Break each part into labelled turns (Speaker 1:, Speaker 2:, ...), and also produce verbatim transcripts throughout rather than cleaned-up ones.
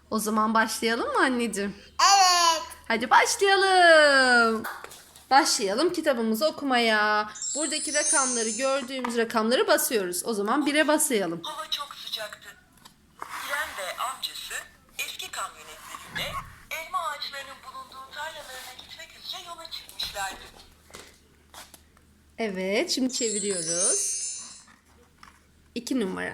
Speaker 1: O zaman başlayalım mı anneciğim?
Speaker 2: Evet.
Speaker 1: Hadi başlayalım. Başlayalım kitabımızı okumaya. Buradaki rakamları, gördüğümüz rakamları basıyoruz. O zaman bire basayalım.
Speaker 3: Hava çok sıcaktı. İrem ve amcası eski kamyonetleriyle elma ağaçlarının bulunduğu tarlalarına gitmek üzere yola çıkmışlardı.
Speaker 1: Evet, şimdi çeviriyoruz. İki numara.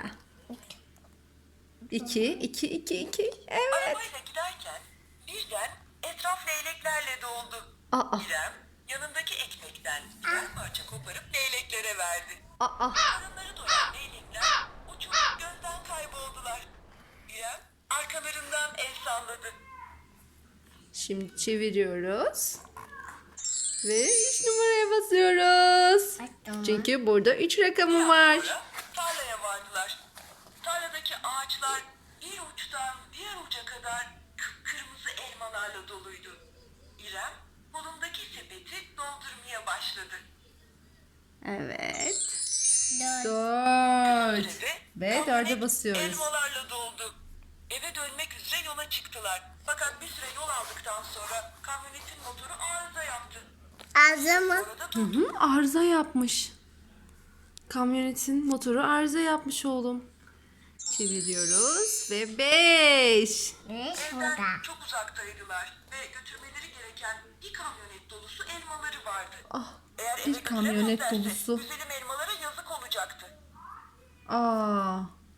Speaker 1: İki, iki, iki, iki. Evet.
Speaker 3: Arabayla giderken birden etraf leyleklerle doldu.
Speaker 1: Aa,
Speaker 3: İrem yanındaki ekmekten birer parça koparıp leyleklere verdi.
Speaker 1: aa.
Speaker 3: Karınları doyan leylekler uçup gözden kayboldular. İrem arkalarından el salladı.
Speaker 1: Şimdi çeviriyoruz. Ve üç numaraya basıyoruz. Çünkü burada üç rakamı var.
Speaker 3: Sonra tarlaya vardılar. Tarladaki ağaçlar bir uçtan diğer uca kadar kıpkırmızı elmalarla doluydu. İrem kolundaki sepeti doldurmaya başladı.
Speaker 1: Evet.
Speaker 2: Dört.
Speaker 1: Dört.
Speaker 3: Sürede
Speaker 1: Ve
Speaker 3: kamyonet
Speaker 1: dörde basıyoruz.
Speaker 3: elmalarla doldu. Eve dönmek üzere yola çıktılar. Fakat bir süre yol aldıktan sonra kamyonetin motoru arıza yaptı.
Speaker 2: Ağzı mı?
Speaker 3: Orada
Speaker 1: Hı
Speaker 3: durdu.
Speaker 1: hı, arıza yapmış. Kamyonetin motoru arıza yapmış oğlum. Çeviriyoruz ve beş.
Speaker 2: Beş
Speaker 3: Evden
Speaker 2: burada.
Speaker 3: çok uzaktaydılar ve götürmeleri gereken bir kamyonet dolusu elmaları vardı.
Speaker 1: Ah,
Speaker 3: Eğer
Speaker 1: bir
Speaker 3: eve
Speaker 1: kamyonet
Speaker 3: götüremezlerse
Speaker 1: dolusu.
Speaker 3: güzelim elmalara yazık olacaktı.
Speaker 1: Aa.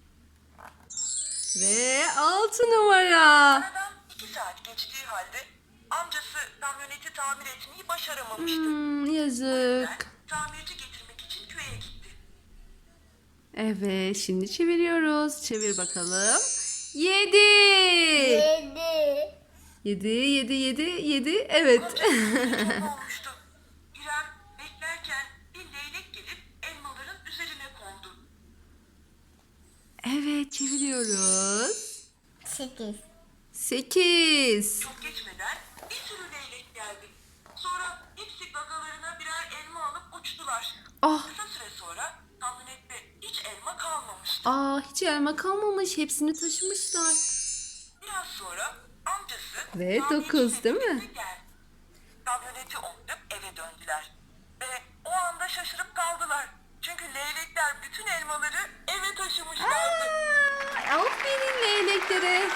Speaker 1: Ve altı numara.
Speaker 3: Aradan iki saat geçtiği halde amcası kamyoneti tamir etmeyi başaramamıştı.
Speaker 1: Hmm,
Speaker 3: Ben
Speaker 1: yazık.
Speaker 3: tamirci getirmek için köye gitti.
Speaker 1: Evet, şimdi çeviriyoruz. Çevir bakalım. Yedi.
Speaker 2: Yedi.
Speaker 1: Yedi, yedi, yedi, yedi. Evet.
Speaker 3: Çok olmuştu. İrem beklerken bir leylek gelip elmaların üzerine kondu.
Speaker 1: Evet, çeviriyoruz.
Speaker 2: Sekiz.
Speaker 1: Sekiz.
Speaker 3: Çok geçmeden bir sürü leylek geldi. Sonra hepsi gagalarına birer elma alıp uçtular.
Speaker 1: Ah.
Speaker 3: Kısa süre sonra kamyonette hiç elma kalmamıştı.
Speaker 1: Aa, hiç elma kalmamış. Hepsini taşımışlar.
Speaker 3: Biraz sonra amcası
Speaker 1: Ve
Speaker 3: tamirci
Speaker 1: dokuz, değil mi?
Speaker 3: sepetiyle geldi. Kamyoneti ondurup eve döndüler. Ve o anda şaşırıp kaldılar. Çünkü leylekler bütün elmaları eve taşımışlardı.
Speaker 1: Aa, aferin leyleklere.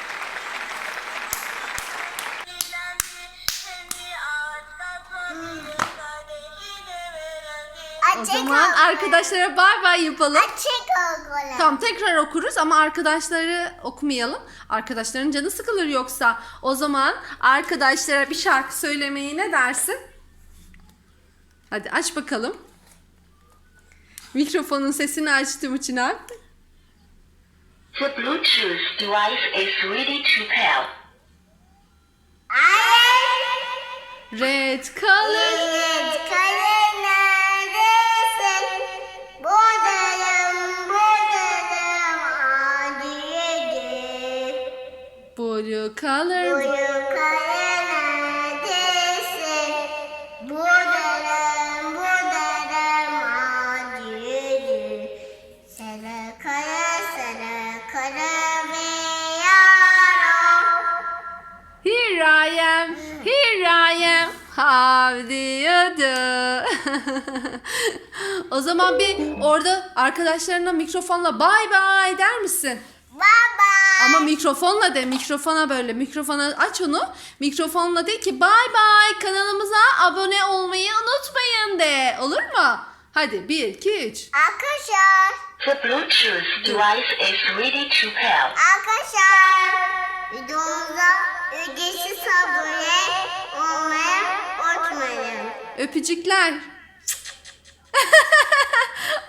Speaker 1: O
Speaker 2: Açık
Speaker 1: zaman
Speaker 2: ol.
Speaker 1: arkadaşlara bay bay yapalım.
Speaker 2: Açık ol.
Speaker 1: Tamam, tekrar okuruz ama arkadaşları okumayalım. Arkadaşların canı sıkılır yoksa. O zaman arkadaşlara bir şarkı söylemeyi ne dersin? Hadi aç bakalım. Mikrofonun sesini açtım Çınar.
Speaker 4: The Bluetooth device is ready to pair.
Speaker 1: Red color.
Speaker 2: Evet, kale neredesin? Buradayım, buradayım. Adiyedir.
Speaker 1: Blue color.
Speaker 2: Buyu kale neredesin? Buradayım, buradayım. Adiyedir. Sarı kale, sarı kale ve yaro.
Speaker 1: Here I am, here I am. How do you do? O zaman bir orada arkadaşlarına mikrofonla bye bye der misin?
Speaker 2: Baba.
Speaker 1: Ama mikrofonla de, mikrofona böyle, mikrofona aç onu. Mikrofonla de ki bye bye, kanalımıza abone olmayı unutmayın de. Olur mu? Hadi bir, iki, üç.
Speaker 2: Arkadaşlar.
Speaker 4: The Bluetooth device is ready to pair.
Speaker 2: Arkadaşlar. Videomuza ücretsiz abone olmayı unutmayın.
Speaker 1: Öpücükler.